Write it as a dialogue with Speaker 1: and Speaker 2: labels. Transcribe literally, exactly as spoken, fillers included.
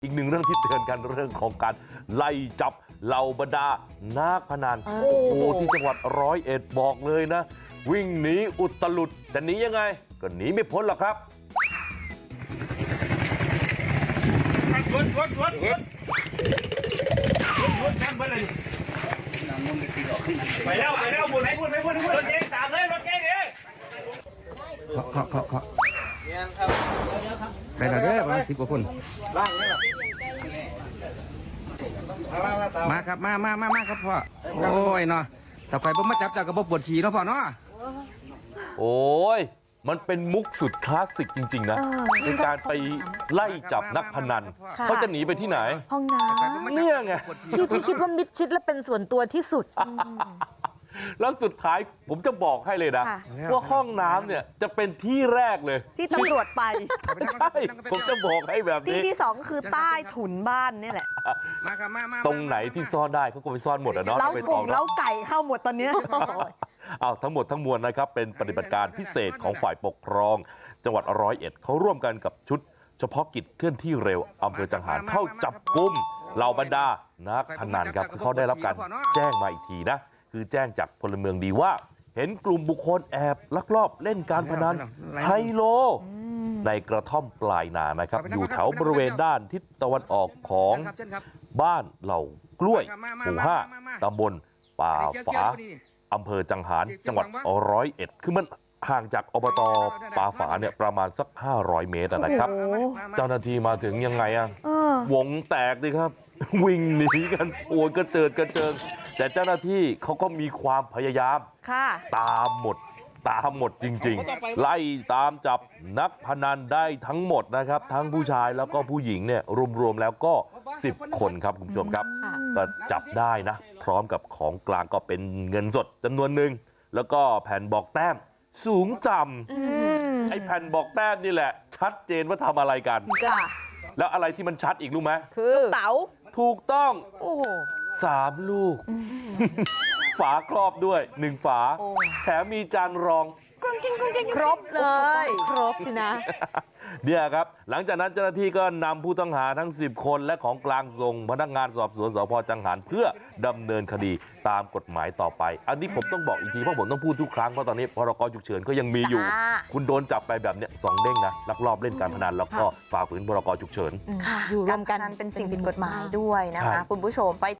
Speaker 1: อีกหนึ่งเรื่องที่เตือนกันเรื่องของการไล่จับเหล่าบรรดานักพนันโอ้โหที่จังหวัดร้อยเอ็ดบอกเลยนะวิ่งหนีอุตลุดแต่หนียังไงก็หนีไม่พ้นหรอกครับ
Speaker 2: รถรถรถรถรถนั่งไปเลยไปแล้วไปแล้วบุญไหนบุญไหนบุญรถเก๋งตามเลยรถเก๋งเลย
Speaker 3: เคาะเคาะเคาะไปแล้วเด้อประมาณสิบกว่าคนมาครับมามามามาครับพ่อโอ้ยเนาะแต่ใครบ่มาจับจากกระบอกปวดขี่เนาะพ่อเนาะ
Speaker 1: โอ้ยมันเป็นมุกสุดคลาสสิกจริงๆนะในการไปไล่จับนักพนันเขาจะหนีไปที่ไหน
Speaker 4: ห้องน้ำ
Speaker 1: เนี่ยไง
Speaker 4: ที่ที่คิดว่ามิดชิดและเป็นส่วนตัวที่สุด
Speaker 1: แล้วสุดท้ายผมจะบอกให้เลยนะว่าห้องน้ำเนี่ยจะเป็นที่แรกเลย
Speaker 4: ที่ตำรวจไป
Speaker 1: ใช่ผมจะบอกให้แบบนี้
Speaker 4: ที่ที่สองคือใต้ถุนบ้านนี่แหละ
Speaker 1: ตรงไหนที่ซ่อนได้เขาก็ไปซ่อนหมดอะเนาะ
Speaker 4: เล้ากุ่งเล้าไก่เข้าหมดตอนนี้
Speaker 1: เอาทั้งหมดทั้งมวลนะครับเป็นปฏิบัติการพิเศษของฝ่ายปกครองจังหวัดร้อยเอ็ดเขาร่วมกันกับชุดเฉพาะกิจเคลื่อนที่เร็วอำเภอจังหารเข้าจับกุมเหล่าบรรดานักพนันครับคือเขาได้รับการแจ้งมาอีกทีนะคือแจ้งจากพลเมืองดีว่าเห็นกลุ่มบุคคลแอบลักลอบเล่นการพนันไฮโลในกระท่อมปลายนานะครับอยู่แถวบริเวณด้านทิศตะวันออกของบ้านเหล่ากล้วยหมู่ห้าตำบลป่าฝาอำเภอจังหารจังหวัดร้อยเอ็ดคือมันห่างจากอบตป่าฝาเนี่ยประมาณสักห้าร้อยเมตรนะครับเจ้าหน้าที่มาถึงยังไงอะวงแตกดิครับวิ่งหนีกันโอยกระเจิดกระเจิงแต่เจ้าหน้าที่เขาก็มีความพยายามตามหมดตามหมดจริงๆไล่ตามจับนักพนันได้ทั้งหมดนะครับทั้งผู้ชายแล้วก็ผู้หญิงเนี่ยรวมๆแล้วก็สิบคนครับคุณผู้ชมครับก็จับได้นะพร้อมกับของกลางก็เป็นเงินสดจำนวนหนึ่งแล้วก็แผ่นบอกแต้มสูงต่ำไอ้แผ่นบอกแต้มนี่แหละชัดเจนว่าทำอะไรกันแล้วอะไรที่มันชัดอีกรู้ไหม
Speaker 4: คือเต๋า
Speaker 1: ถูกต้องโอ้สามลูกฝาครอบด้วยหนึ่งฝาแถมมีจานรอง
Speaker 4: ครบเลยครบสินะ
Speaker 1: เนี่ยครับหลังจากนั้นเจ้าหน้าที่ก็นำผู้ต้องหาทั้งสิบคนและของกลางส่งพนักงานสอบสวนสพจังหารเพื่อดำเนินคดีตามกฎหมายต่อไปอันนี้ผมต้องบอกอีกทีเพราะผมต้องพูดทุกครั้งเพราะตอนนี้พรกฉุกเฉินก็ยังมีอยู่คุณโดนจับไปแบบเนี้ยสองเด้งนะลักลอบเล่นการพนันแล้วก็ฝ่าฝืนพรกฉุกเฉิน
Speaker 4: อยู่รวมกันเป็นสิ่งผิดกฎหมายด้วยนะคะคุณผู้ชมไป